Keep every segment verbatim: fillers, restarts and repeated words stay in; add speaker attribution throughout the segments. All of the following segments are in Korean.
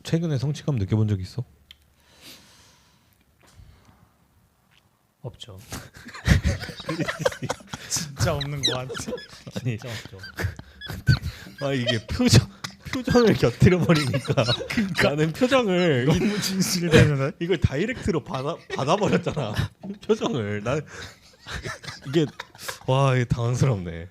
Speaker 1: 최근에 성취감 느껴본 적 있어?
Speaker 2: 없죠.
Speaker 3: 진짜 없는 거 같아.
Speaker 1: 아니
Speaker 2: 진짜 없죠.
Speaker 1: 아 이게 표정 표정을 곁들여 버리니까 나는 표정을
Speaker 3: 너무 진실되는
Speaker 1: 이걸 다이렉트로 받아 받아버렸잖아. 표정을 난 이게 와 이게 당황스럽네.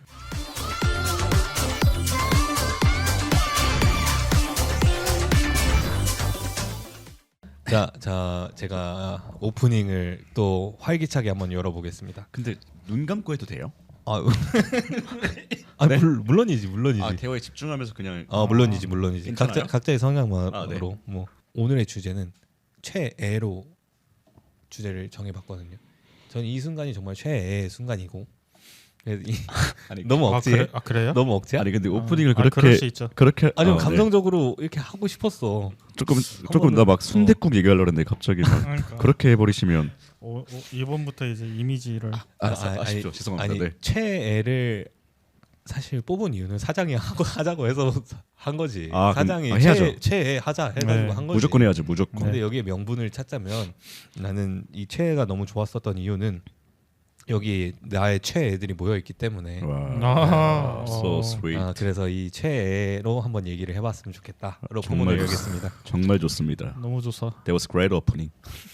Speaker 1: 자, 자 제가 오프닝을 또 활기차게 한번 열어보겠습니다.
Speaker 4: 근데 눈 감고 해도 돼요?
Speaker 1: 아, 아
Speaker 4: 네?
Speaker 1: 물, 물론이지 물론이지.
Speaker 4: 아 대화에 집중하면서 그냥
Speaker 1: 아 물론이지 물론이지.
Speaker 4: 괜찮아요?
Speaker 1: 각자 각자의 성향만으로
Speaker 4: 아, 네.
Speaker 1: 뭐 오늘의 주제는 최애로 주제를 정해봤거든요. 저는 이 순간이 정말 최애의 순간이고 그래서 이,
Speaker 4: 아니
Speaker 1: 너무
Speaker 3: 아,
Speaker 1: 억지해.
Speaker 3: 그래? 아 그래요?
Speaker 1: 너무 억지야?
Speaker 4: 아니 근데 오프닝을
Speaker 3: 아,
Speaker 4: 그렇게
Speaker 3: 그럴 수 있죠.
Speaker 4: 그렇게
Speaker 1: 아니
Speaker 4: 어,
Speaker 1: 감성적으로 이렇게 하고 싶었어.
Speaker 4: 네. 조금
Speaker 1: 한
Speaker 4: 조금
Speaker 1: 번은-
Speaker 4: 나 막 순댓국 얘기하려고 했는데 갑자기 막
Speaker 3: 그러니까
Speaker 4: 그렇게 해버리시면
Speaker 3: 오, 오, 이번부터 이제 이미지를
Speaker 4: 아,
Speaker 1: 아,
Speaker 4: 아,
Speaker 1: 아니,
Speaker 4: 아쉽죠. 죄송합니다.
Speaker 1: 아니
Speaker 4: 네.
Speaker 1: 최애를 사실 뽑은 이유는 사장이 하고 하자고 해서 한 거지.
Speaker 4: 아, 그럼-
Speaker 1: 사장이
Speaker 4: 아, 해야죠.
Speaker 1: 최애, 최애 하자 해가지고
Speaker 3: 네.
Speaker 1: 한 거지.
Speaker 4: 무조건 해야죠. 무조건.
Speaker 1: 근데 여기에 명분을 찾자면 나는 이 최애가 너무 좋았었던 이유는 여기 나의 최애들이 모여 있기 때문에
Speaker 4: 와.
Speaker 3: 아,
Speaker 4: So
Speaker 3: 어.
Speaker 4: sweet.
Speaker 1: 아, 그래서 이 최애로 한번 얘기를 해봤으면 좋겠다로
Speaker 4: 정말
Speaker 1: 포문을
Speaker 4: 좋-
Speaker 1: 열겠습니다.
Speaker 4: 정말 좋습니다.
Speaker 3: 너무 좋사.
Speaker 4: That was great opening.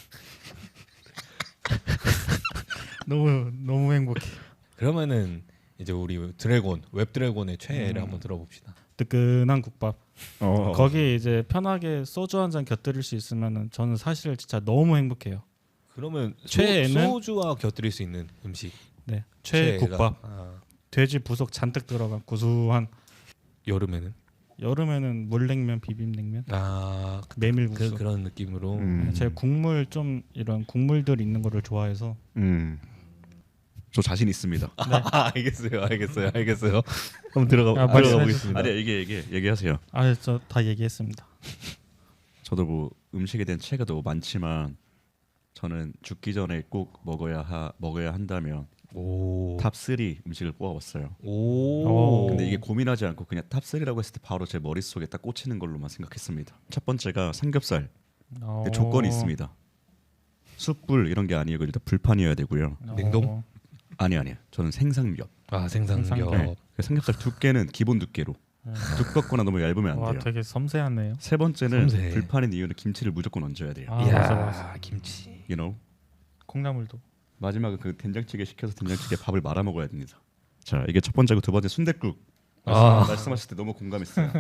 Speaker 3: 너무 너무 행복해.
Speaker 1: 그러면은 이제 우리 드래곤 웹 드래곤의 최애를
Speaker 3: 음.
Speaker 1: 한번 들어봅시다.
Speaker 3: 뜨끈한 국밥.
Speaker 4: 어.
Speaker 3: 거기 이제 편하게 소주 한 잔 곁들일 수 있으면은 저는 사실 진짜 너무 행복해요.
Speaker 1: 그러면
Speaker 3: 최애는?
Speaker 1: 소, 소주와 곁들일 수 있는 음식.
Speaker 3: 네, 최애
Speaker 1: 최애가.
Speaker 3: 국밥.
Speaker 1: 아,
Speaker 3: 돼지 부속 잔뜩 들어간 구수한.
Speaker 1: 여름에는
Speaker 3: 여름에는 물냉면, 비빔냉면,
Speaker 1: 아
Speaker 3: 메밀국수.
Speaker 1: 그, 그런 느낌으로.
Speaker 4: 음.
Speaker 3: 제가 국물 좀 이런 국물들 있는 거를 좋아해서.
Speaker 4: 음. 저 자신 있습니다.
Speaker 1: 아, 알겠어요, 알겠어요, 알겠어요. 한번 들어가
Speaker 3: 아,
Speaker 1: 들어가
Speaker 3: 말씀해
Speaker 1: 보겠습니다.
Speaker 4: 아니야 이게 이게 얘기하세요.
Speaker 3: 아, 저 다 얘기했습니다.
Speaker 4: 저도 뭐 음식에 대한 체가 너무 많지만 저는 죽기 전에 꼭 먹어야 하 먹어야 한다면
Speaker 1: 오,
Speaker 4: 탑 삼 음식을 뽑아봤어요.
Speaker 1: 오.
Speaker 3: 오.
Speaker 4: 근데 이게 고민하지 않고 그냥 탑 삼이라고 했을 때 바로 제 머릿속에 딱 꽂히는 걸로만 생각했습니다. 첫 번째가 삼겹살.
Speaker 3: 어.
Speaker 4: 근데 조건이 있습니다. 숯불 이런 게 아니고 일단 불판이어야 되고요.
Speaker 3: 어.
Speaker 1: 냉동?
Speaker 4: 아니 아니야. 저는 생삼겹.
Speaker 1: 아 생삼겹.
Speaker 3: 생삼겹.
Speaker 4: 네. 그 삼겹살 두께는 기본 두께로.
Speaker 3: 네.
Speaker 4: 두껍거나 너무 얇으면 안
Speaker 3: 와,
Speaker 4: 돼요.
Speaker 3: 되게 섬세하네요.
Speaker 4: 세 번째는
Speaker 1: 섬세해.
Speaker 4: 불판인 이유는 김치를 무조건 얹어야 돼요.
Speaker 3: 아,
Speaker 1: 이야,
Speaker 3: 맞아, 맞아.
Speaker 1: 김치.
Speaker 4: You know?
Speaker 3: 콩나물도.
Speaker 4: 마지막은 그 된장찌개 시켜서 된장찌개 밥을 말아 먹어야 됩니다. 자, 이게 첫 번째고 두 번째 순댓국.
Speaker 1: 아.
Speaker 4: 말씀하실 때 너무 공감했어요.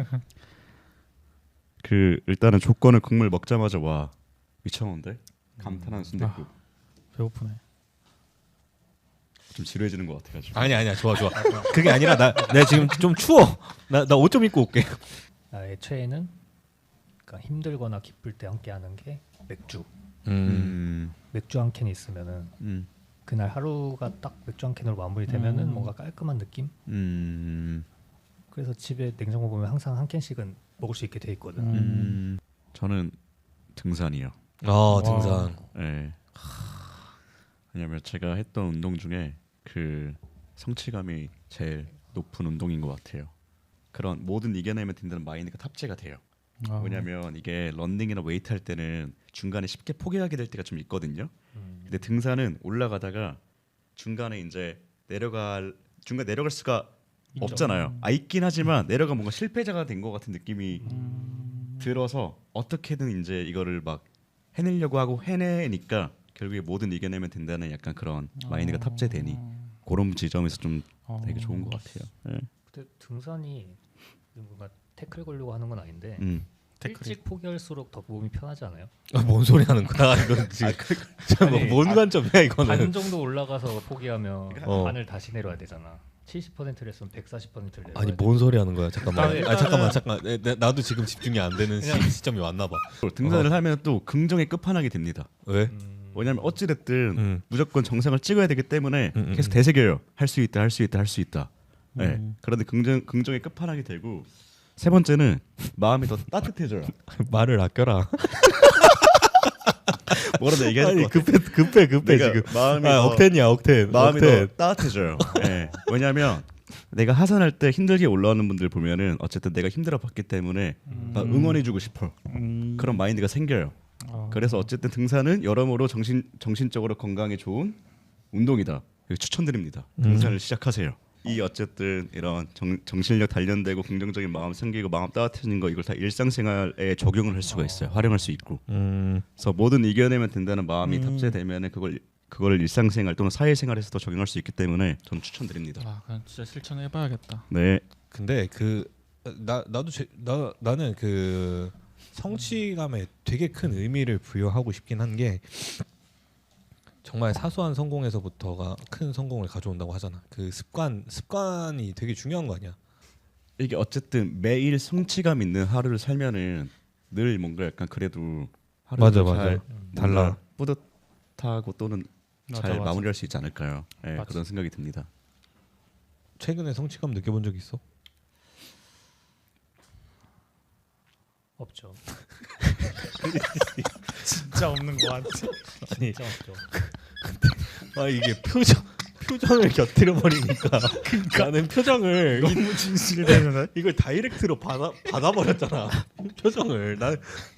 Speaker 4: 그 일단은 조건을 국물 먹자마자 와 미쳤는데 감탄한 순댓국.
Speaker 3: 배고프네.
Speaker 4: 좀 지루해지는 것 같아가지고.
Speaker 1: 아니 아니야, 좋아 좋아. 그게 아니라 나 내가 지금 좀 추워. 나 나 옷 좀 입고 올게.
Speaker 2: 나의 최애는 그러니까 힘들거나 기쁠 때 함께 하는 게 맥주.
Speaker 1: 음.
Speaker 4: 음,
Speaker 2: 맥주 한 캔 있으면은
Speaker 4: 음,
Speaker 2: 그날 하루가 딱 맥주 한 캔으로 마무리되면은
Speaker 3: 음.
Speaker 2: 뭔가 깔끔한 느낌.
Speaker 4: 음,
Speaker 2: 그래서 집에 냉장고 보면 항상 한 캔씩은 먹을 수 있게 돼 있거든.
Speaker 3: 음.
Speaker 4: 음. 저는 등산이요.
Speaker 1: 아 등산.
Speaker 4: 예. 왜냐면 제가 했던 운동 중에 그 성취감이 제일 높은 운동인 것 같아요. 그런 모든 이겨내면 된다는 마인드가 탑재가 돼요.
Speaker 3: 아.
Speaker 4: 왜냐면 이게 런닝이나 웨이트 할 때는 중간에 쉽게 포기하게 될 때가 좀 있거든요.
Speaker 2: 음.
Speaker 4: 근데 등산은 올라가다가 중간에 이제 내려갈 중간 내려갈 수가
Speaker 2: 있죠.
Speaker 4: 없잖아요. 아 있긴 하지만 내려가 뭔가 실패자가 된 것 같은 느낌이
Speaker 3: 음.
Speaker 4: 들어서 어떻게든 이제 이거를 막 해내려고 하고 해내니까 결국에 뭐든 이겨내면 된다는 약간 그런 마인드가 탑재되니 그런 지점에서 좀
Speaker 3: 어.
Speaker 4: 되게 좋은 것 같아요. 네.
Speaker 2: 근데 등산이 뭔가 태클 걸려고 하는 건 아닌데
Speaker 4: 음.
Speaker 3: 태클이.
Speaker 2: 일찍 포기할수록 더 몸이 편하지 않아요?
Speaker 1: 아, 뭔 소리 하는 거야? 이건 지금
Speaker 2: 아니,
Speaker 1: 뭔
Speaker 2: 아,
Speaker 1: 관점이야
Speaker 2: 반
Speaker 1: 이거는?
Speaker 2: 정도 올라가서 포기하면
Speaker 1: 어.
Speaker 2: 반을 다시 내려야 되잖아. 칠십 퍼센트를 했으면 백사십 퍼센트를 내려야
Speaker 1: 아니
Speaker 2: 돼.
Speaker 1: 뭔 소리 하는 거야? 잠깐만.
Speaker 2: 일단은-
Speaker 1: 아 잠깐만 잠깐. 내, 내, 나도 지금 집중이 안 되는 시,
Speaker 2: 그냥-
Speaker 1: 시점이 왔나 봐.
Speaker 4: 등산을 하면 또 긍정의 끝판왕이 됩니다.
Speaker 1: 왜?
Speaker 2: 음,
Speaker 4: 왜냐면 어찌됐든
Speaker 1: 음.
Speaker 4: 무조건 정상을 찍어야 되기 때문에
Speaker 1: 음, 음,
Speaker 4: 계속
Speaker 1: 음.
Speaker 4: 되새겨요. 할 수 있다, 할 수 있다, 할 수 있다. 네.
Speaker 3: 음.
Speaker 4: 그런데 긍정 긍정의 끝판왕이 되고 세 번째는 마음이 더 따뜻해져요.
Speaker 1: 말을 아껴라.
Speaker 4: 뭐라도 얘기해야
Speaker 1: 아니
Speaker 4: 될것 같아.
Speaker 1: 급해 급해 급해
Speaker 4: 내가
Speaker 1: 지금.
Speaker 4: 마음이
Speaker 1: 아
Speaker 4: 더,
Speaker 1: 억텐이야 억텐.
Speaker 4: 마음이
Speaker 1: 억텐.
Speaker 4: 더 따뜻해져요. 네. 왜냐하면 내가 하산할 때 힘들게 올라오는 분들 보면은 어쨌든 내가 힘들어 봤기 때문에
Speaker 3: 음.
Speaker 4: 막 응원해주고 싶어.
Speaker 3: 음.
Speaker 4: 그런 마인드가 생겨요.
Speaker 3: 아.
Speaker 4: 그래서 어쨌든 등산은 여러모로 정신 정신적으로 건강에 좋은 운동이다. 추천드립니다. 등산을
Speaker 1: 음.
Speaker 4: 시작하세요. 이 어쨌든 이런 정, 정신력 단련되고 긍정적인 마음 생기고 마음 따뜻해지는 거 이걸 다 일상생활에 적용을 할 수가 있어요. 활용할 수 있고.
Speaker 1: 음.
Speaker 4: 그래서 뭐든 이겨내면 된다는 마음이
Speaker 3: 음.
Speaker 4: 탑재되면은 그걸 그걸 일상생활 또는 사회생활에서도 적용할 수 있기 때문에 저는 추천드립니다.
Speaker 3: 아, 그냥 진짜 실천해봐야겠다.
Speaker 4: 네.
Speaker 1: 근데 그 나 나도 제, 나 나는 그 성취감에 되게 큰 의미를 부여하고 싶긴 한 게 정말 사소한 성공에서부터가 큰 성공을 가져온다고 하잖아. 그 습관 습관이 되게 중요한 거 아니야?
Speaker 4: 이게 어쨌든 매일 성취감 있는 하루를 살면은 늘 뭔가 약간 그래도
Speaker 1: 맞아,
Speaker 4: 하루를
Speaker 1: 맞아.
Speaker 4: 잘
Speaker 1: 달라.
Speaker 4: 뭔가 뿌듯하고 또는
Speaker 3: 맞아,
Speaker 4: 잘
Speaker 3: 맞아.
Speaker 4: 마무리할 수 있지 않을까요? 네,
Speaker 3: 맞아.
Speaker 4: 그런 생각이 듭니다.
Speaker 1: 최근에 성취감 느껴본 적 있어?
Speaker 2: 없죠.
Speaker 3: 진짜 없는 거 같아.
Speaker 1: 아니
Speaker 2: 진짜 없죠.
Speaker 1: 아 이게 표정 표정을 곁들여 버리니까 나는 표정을
Speaker 3: 너무 진실되는
Speaker 1: 이걸 다이렉트로 받아 받아버렸잖아. 표정을 난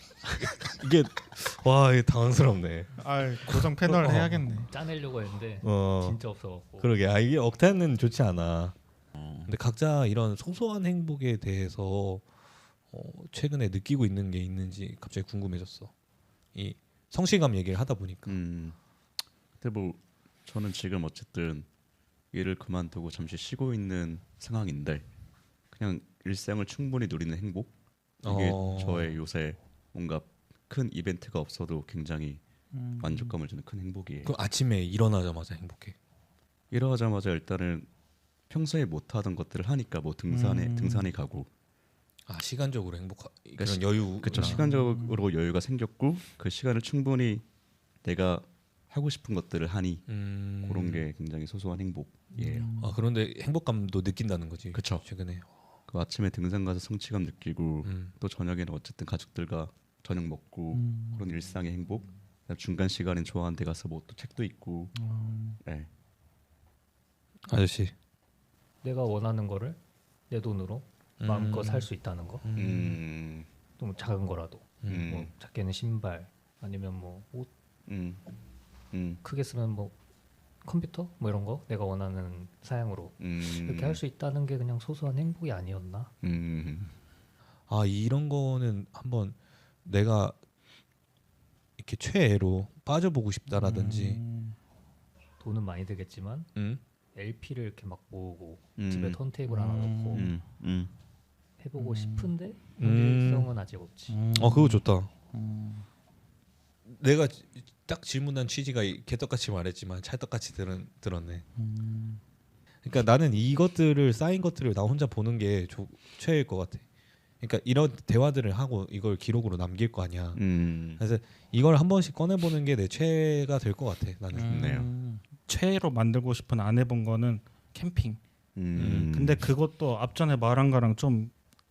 Speaker 1: 이게 와 이게 당황스럽네.
Speaker 3: 아, 고정 패널
Speaker 1: 어.
Speaker 3: 해야겠네.
Speaker 2: 짜내려고 했는데
Speaker 1: 어
Speaker 2: 진짜 없어갖고.
Speaker 1: 그러게 아 이게 억텐은 좋지 않아. 근데 각자 이런 소소한 행복에 대해서 어, 최근에 느끼고 있는 게 있는지 갑자기 궁금해졌어. 이 성취감 얘기를 하다 보니까.
Speaker 4: 음. 근데 뭐 저는 지금 어쨌든 일을 그만두고 잠시 쉬고 있는 상황인데 그냥 일상을 충분히 누리는 행복 이게
Speaker 1: 어.
Speaker 4: 저의 요새 뭔가 큰 이벤트가 없어도 굉장히
Speaker 3: 음.
Speaker 4: 만족감을 주는 큰 행복이에요.
Speaker 1: 그럼 아침에 일어나자마자 행복해.
Speaker 4: 일어나자마자 일단은 평소에 못 하던 것들을 하니까 뭐 등산에
Speaker 3: 음.
Speaker 4: 등산에 가고
Speaker 1: 아 시간적으로 행복하 그런
Speaker 4: 시-
Speaker 1: 여유.
Speaker 4: 그쵸 시간적으로 여유가 생겼고 그 시간을 충분히 내가 하고 싶은 것들을 하니
Speaker 1: 음.
Speaker 4: 그런 게 굉장히 소소한 행복이에요.
Speaker 1: 아 그런데 행복감도 느낀다는 거지.
Speaker 4: 그쵸.
Speaker 1: 최근에.
Speaker 4: 그 아침에 등산 가서 성취감 느끼고
Speaker 1: 음.
Speaker 4: 또 저녁에는 어쨌든 가족들과 저녁 먹고
Speaker 3: 음.
Speaker 4: 그런 일상의 행복. 그다음 중간 시간엔 좋아하는 데 가서 뭐 또 책도 읽고.
Speaker 3: 음.
Speaker 4: 네.
Speaker 1: 아저씨.
Speaker 2: 내가 원하는 거를 내 돈으로 마음껏
Speaker 1: 음.
Speaker 2: 살 수 있다는 거.
Speaker 1: 음.
Speaker 4: 음.
Speaker 2: 좀 작은 거라도.
Speaker 4: 음.
Speaker 2: 뭐 작게는 신발 아니면 뭐 옷
Speaker 4: 음. 음.
Speaker 2: 크게 쓰면 뭐 컴퓨터 뭐 이런 거 내가 원하는 사양으로
Speaker 4: 음.
Speaker 2: 이렇게 할 수 있다는 게 그냥 소소한 행복이 아니었나?
Speaker 4: 음.
Speaker 1: 아 이런 거는 한번 내가 이렇게 최애로 빠져보고 싶다라든지.
Speaker 3: 음.
Speaker 2: 돈은 많이 들겠지만
Speaker 1: 음.
Speaker 2: 엘피를 이렇게 막 모으고
Speaker 4: 음.
Speaker 2: 집에 턴테이블 하나
Speaker 3: 음.
Speaker 2: 놓고
Speaker 4: 음. 음.
Speaker 2: 해보고
Speaker 3: 음.
Speaker 2: 싶은데
Speaker 1: 음.
Speaker 2: 현실성은 아직 없지.
Speaker 3: 음.
Speaker 1: 어 그거 좋다.
Speaker 3: 음.
Speaker 1: 내가 지- 딱 질문한 취지가 이- 개떡같이 말했지만 찰떡같이 들은, 들었네.
Speaker 3: 음.
Speaker 1: 그러니까 나는 이것들을 쌓인 것들을 나 혼자 보는 게 조, 최애일 것 같아. 그러니까 이런 대화들을 하고 이걸 기록으로 남길 거 아니야.
Speaker 4: 음.
Speaker 1: 그래서 이걸 한 번씩 꺼내 보는 게 내 최애가 될 것 같아. 나는.
Speaker 3: 음. 최애로 만들고 싶은 안 해본 거는 캠핑.
Speaker 4: 음.
Speaker 3: 근데 그것도 앞전에 말한 거랑 좀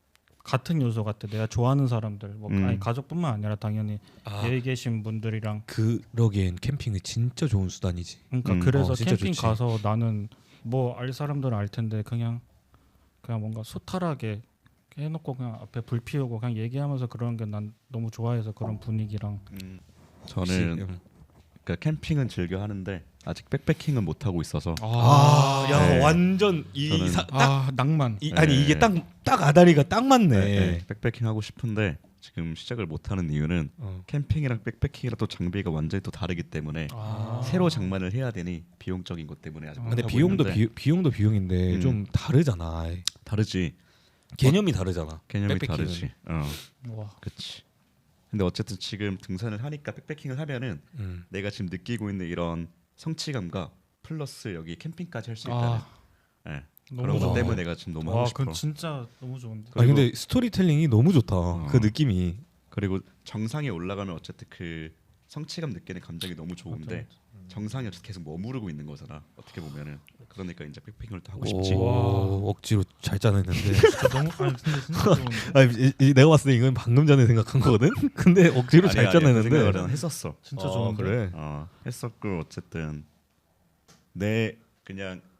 Speaker 3: 같은 요소 같아. 내가 좋아하는 사람들, 뭐
Speaker 4: 음.
Speaker 3: 아니 가족뿐만 아니라 당연히
Speaker 1: 아,
Speaker 3: 여기 계신 분들이랑.
Speaker 1: 그러기엔 캠핑이 진짜 좋은 수단이지.
Speaker 3: 그러니까
Speaker 4: 음.
Speaker 3: 그래서
Speaker 1: 어, 진짜
Speaker 3: 캠핑
Speaker 1: 좋지.
Speaker 3: 가서 나는 뭐 알 사람들은 알 텐데 그냥 그냥 뭔가 소탈하게 해놓고 그냥 앞에 불 피우고 그냥 얘기하면서 그런 게 난 너무 좋아해서 그런 분위기랑.
Speaker 4: 음.
Speaker 1: 혹시,
Speaker 4: 저는
Speaker 1: 음.
Speaker 4: 그러니까 캠핑은 즐겨 하는데 아직 백패킹은 못 하고 있어서
Speaker 1: 아, 야
Speaker 4: 네.
Speaker 1: 완전 이,
Speaker 4: 저는-
Speaker 1: 사, 딱
Speaker 3: 아 낭만.
Speaker 1: 이,
Speaker 4: 네.
Speaker 1: 아니 이게 딱 딱 아다리가 딱 맞네.
Speaker 4: 네, 네. 백패킹 하고 싶은데 지금 시작을 못 하는 이유는
Speaker 1: 어.
Speaker 4: 캠핑이랑 백패킹이랑 또 장비가 완전히 또 다르기 때문에
Speaker 3: 아.
Speaker 4: 새로 장만을 해야 되니 비용적인 것 때문에 아직
Speaker 3: 아.
Speaker 4: 못
Speaker 1: 근데
Speaker 4: 하고
Speaker 1: 비용도
Speaker 4: 있는데
Speaker 1: 비, 비용도 비용인데
Speaker 4: 음.
Speaker 1: 좀 다르잖아.
Speaker 4: 다르지.
Speaker 1: 개념이 다르잖아.
Speaker 4: 개념이
Speaker 1: 백패킹은.
Speaker 4: 다르지. 어,
Speaker 3: 와.
Speaker 4: 그렇지. 근데 어쨌든 지금 등산을 하니까 백패킹을 하면은
Speaker 1: 음.
Speaker 4: 내가 지금 느끼고 있는 이런 성취감과 플러스 여기 캠핑까지 할 수 있다는
Speaker 3: 아,
Speaker 4: 예,
Speaker 3: 너무
Speaker 4: 그런 것
Speaker 1: 좋아.
Speaker 4: 때문에 내가 지금 너무
Speaker 3: 와,
Speaker 4: 하고 싶어.
Speaker 3: 그건 진짜 너무 좋은데.
Speaker 1: 아니
Speaker 4: 그리고-
Speaker 1: 근데 스토리텔링이 너무 좋다. 그 느낌이.
Speaker 4: 그리고 정상에 올라가면 어쨌든 그 성취감 느끼는 감정이 너무 좋은데 정상에 어쨌든 계속 머무르고 있는 거잖아. 어떻게 보면은 그러니까 이제 백패킹을 또 하고 싶지.
Speaker 1: 오, 억지로 잘 짜냈는데.
Speaker 3: 진짜 너무 아니 근데 진짜 좋은데.
Speaker 1: 아니, 이, 이, 내가 봤을 때 이건 방금 전에 생각한 거거든. 근데 억지로
Speaker 4: 아니,
Speaker 1: 잘
Speaker 4: 아니, 그
Speaker 1: 짜냈는데.
Speaker 4: 생각을 난 했었어.
Speaker 3: 진짜
Speaker 1: 어,
Speaker 3: 좋은데.
Speaker 1: 그래.
Speaker 4: 어, 했었고 어쨌든 내 그냥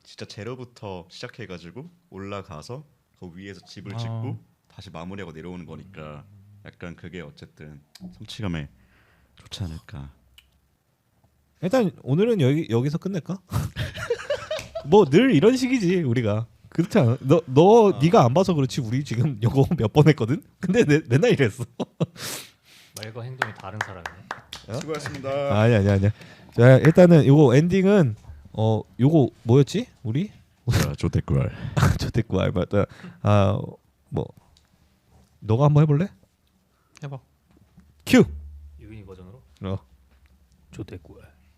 Speaker 4: 진짜 제로부터 시작해가지고 올라가서 그 위에서 집을
Speaker 3: 아.
Speaker 4: 짓고 다시 마무리하고 내려오는 거니까 약간 그게 어쨌든 성취감에 좋지 않을까.
Speaker 1: 일단 오늘은 여기 여기서 끝낼까? 뭐 늘 이런 식이지 우리가. 그렇지 않아? 너 너 네가 안 봐서 그렇지 우리 지금 요거 몇 번 했거든. 근데 내, 맨날 이랬어.
Speaker 2: 말과 행동이 다른 사람이네.
Speaker 4: 수고하셨습니다.
Speaker 1: 아니 아니 아니야. 자 일단은 요거 엔딩은 어 요거 뭐였지? 우리
Speaker 4: 자, 조태꿀.
Speaker 1: 저택구 알바다. 아뭐 너가 한번 해볼래?
Speaker 5: 해봐.
Speaker 1: 큐.
Speaker 2: 유인이 버전으로
Speaker 1: 어.
Speaker 2: 조대구야.